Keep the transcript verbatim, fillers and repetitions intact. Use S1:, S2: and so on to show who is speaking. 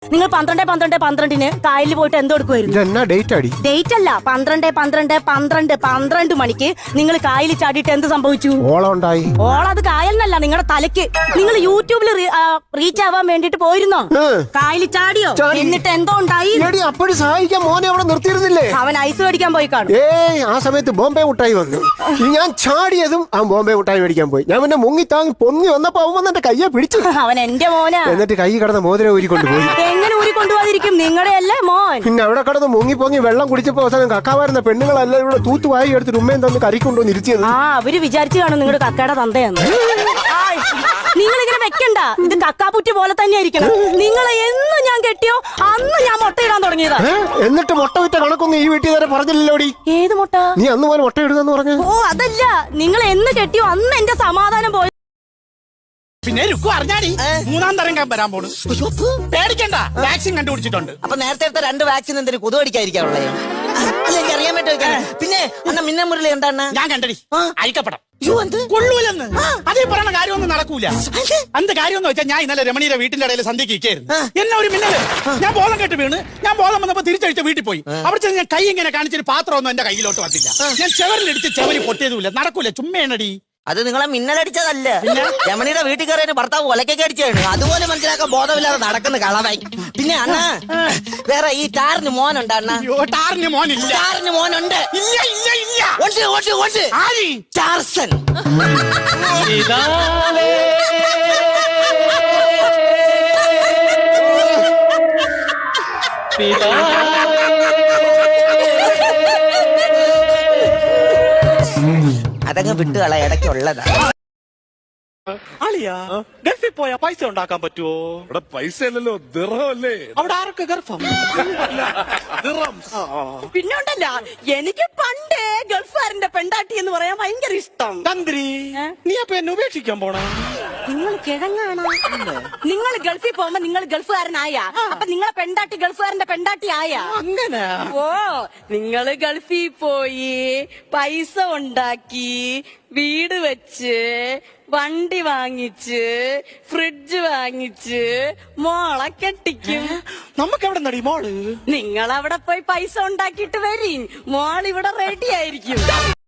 S1: നിങ്ങൾ പന്ത്രണ്ട് പന്ത്രണ്ട് പന്ത്രണ്ടിന് കായലിൽ പോയിട്ട് എന്തോ എടുക്കുമായിരുന്നു?
S2: ഡേറ്റ് അടി
S1: ഡേറ്റ് അല്ല, പന്ത്രണ്ട് പന്ത്രണ്ട് പന്ത്രണ്ട് പന്ത്രണ്ട് മണിക്ക് നിങ്ങൾ കായലിൽ ചാടിയിട്ട് എന്ത് സംഭവിച്ചു?
S2: ഓളം ഉണ്ടായി.
S1: ഓളത് കായലിനല്ല, നിങ്ങളുടെ തലയ്ക്ക്. നിങ്ങൾ യൂട്യൂബിൽ റീച്ച് ആവാൻ വേണ്ടിട്ട് പോയിരുന്നോ? കായലിൽ ചാടിയോ? എന്നിട്ട് എന്തോ ഉണ്ടായി?
S2: അപ്പോഴും സഹായിക്കാൻ മോനെ അവിടെ നിർത്തിയിരുന്നില്ലേ?
S1: അവൻ ഐസ് മേടിക്കാൻ പോയി കാണും.
S2: ഏയ് ആ സമയത്ത് ബോംബെ മുട്ടായി വന്നു. ഞാൻ ചാടിയതും ആ ബോംബെ മുട്ടായി മേടിക്കാൻ പോയി. ഞാൻ പിന്നെ മുങ്ങി താങ്ങി പൊങ്ങി വന്നപ്പോ അവൻ വന്ന് എന്റെ കയ്യെ പിടിച്ചു.
S1: അവൻ എന്റെ മോനാ.
S2: എന്നിട്ട് കൈ കടന്ന് മോതിരം ഊരിക്കൊണ്ടുപോയി.
S1: എങ്ങനെ ഊരിക്കൊണ്ടുപോകാതിരിക്കും? നിങ്ങളുടെ അല്ലേ മോൻ.
S2: പിന്നെ അവിടെ കടന്ന് മുങ്ങി പൊങ്ങി വെള്ളം കുടിച്ചപ്പോ അവസാനം കക്കാവാരുന്ന പെണ്ണുങ്ങളെല്ലാം ഇവിടെ തൂത്തുവായി എടുത്ത് ഉമ്മയും തന്ന് കറിക്കൊണ്ടുവന്ന് ഇരിച്ചത്.
S1: ആ അവര് വിചാരിച്ചു കാണും നിങ്ങളുടെ കക്കയുടെ തന്തയെന്ന്. നിങ്ങൾ ഇങ്ങനെ വെക്കണ്ട, ഇത് കക്കാപ്പുറ്റി പോലെ തന്നെ ആയിരിക്കണം. നിങ്ങളെ എന്ന് ഞാൻ കെട്ടിയോ അന്ന് ഞാൻ മുട്ടയിടാൻ തുടങ്ങിയതാ.
S2: എന്നിട്ട് മുട്ട വിറ്റ കണക്കൊന്നും ഈ വീട്ടിൽ നേരെ പറഞ്ഞില്ലല്ലോടി.
S1: ഏത് മുട്ട?
S2: നീ അന്ന് പോലെ മുട്ട ഇടുന്നെന്ന് പറഞ്ഞു.
S1: ഓ അതല്ല, നിങ്ങൾ എന്ന് കെട്ടിയോ അന്ന് എന്റെ സമാധാനം പോയി.
S3: പിന്നെ രുക്കു അറിഞ്ഞാടി മൂന്നാം തരം വരാൻ പോണു. പേടിക്കണ്ട, വാക്സിൻ കണ്ടുപിടിച്ചിട്ടുണ്ട്.
S4: അപ്പൊ നേരത്തെ എടുത്ത രണ്ട് വാക്സിൻ എന്തിനു കൊതു കടിക്കാതിരിക്കാനുള്ളേ? അല്ല എനിക്ക് അറിയാൻ പറ്റുമോ? പിന്നെ അണ്ണ മിന്ന മുരളി എന്താണ്
S3: ഞാൻ കണ്ടടി അഴിക്കപ്പെടാം കൊള്ളൂലെന്ന്. അതേ പറയുന്ന കാര്യമൊന്നും നടക്കൂല. എന്ത് കാര്യം വെച്ചാൽ ഞാൻ ഇന്നലെ രമണിയുടെ വീട്ടിന്റെ ഇടയിൽ സന്ധ്യക്ക് ഇരിക്കായിരുന്നു. എന്നെ ഒരു മിന്നല്, ഞാൻ ബോധം കെട്ട് വീണ്. ഞാൻ ബോധം വന്നപ്പോ തിരിച്ചഴിച്ച് വീട്ടിൽ പോയി. അവിടെ ചെന്ന് ഞാൻ കൈ ഇങ്ങനെ കാണിച്ചൊരു പാത്രമൊന്നും എന്റെ കയ്യിലോട്ട് വന്നില്ല. ഞാൻ ചെവരിലിടിച്ച് ചെവരി പൊട്ടിയതുമില്ല. നടക്കൂല, ചുമ്മേണടി.
S4: അത് നിങ്ങളെ മിന്നലടിച്ചതല്ല, രമണിയുടെ വീട്ടിൽ കയറിയ ഭർത്താവ് ഒലക്കൊക്കെ അടിച്ചാണ്. അതുപോലെ മനസ്സിലാക്കാൻ ബോധമില്ലാതെ നടക്കുന്ന കളവായി. പിന്നെ അണ്ണ വേറെ ഈ ടാറിന് മോനുണ്ട് അണ്ണ?
S3: ടാറിന് മോനില്ല.
S4: ടാറിന് മോനുണ്ട്.
S3: ഇല്ല ഇല്ല ഇല്ല.
S4: ഉണ്ട് ഉണ്ട് ഉണ്ട്.
S3: ആരി
S4: ടാർസൻ. അതങ്ങ് വിട്ടുകള ഇടയ്ക്കുള്ളതാ.
S5: അളിയാ ഗൾഫിൽ പോയാ പൈസ ഉണ്ടാക്കാൻ പറ്റുമോ?
S6: ഇവിടെ പൈസ അല്ലല്ലോ, ദിർഹമല്ലേ.
S5: അവിടെ ആരൊക്കെ ഗർഭം?
S7: പിന്നെ ഉണ്ടല്ല, എനിക്ക് പണ്ടേ ഗൾഫുകാരന്റെ പെണ്ടാട്ടി എന്ന് പറയാൻ ഭയങ്കര ഇഷ്ടം.
S5: തന്ത്രി നീ അപ്പൊ എന്നെ ഉപേക്ഷിക്കാൻ പോണ?
S7: നിങ്ങൾ കിഴങ്ങാണോ? നിങ്ങൾ ഗൾഫിൽ പോകുമ്പോ നിങ്ങൾ ഗൾഫുകാരനായ, അപ്പൊ നിങ്ങളെ പെണ്ടാട്ടി ഗൾഫുകാരന്റെ പെണ്ടാട്ടി ആയ.
S5: അങ്ങനെ
S7: ഓ, നിങ്ങള് ഗൾഫിൽ പോയി പൈസ ഉണ്ടാക്കി വീട് വെച്ച് വണ്ടി വാങ്ങിച്ച് ഫ്രിഡ്ജ് വാങ്ങിച്ച് മോളെ കെട്ടിക്കും.
S5: നമുക്ക് എവിടെ നടി മോള്?
S7: നിങ്ങൾ അവിടെ പോയി പൈസ ഉണ്ടാക്കിയിട്ട് വരീ, മോൾ ഇവിടെ റെഡി ആയിരിക്കും.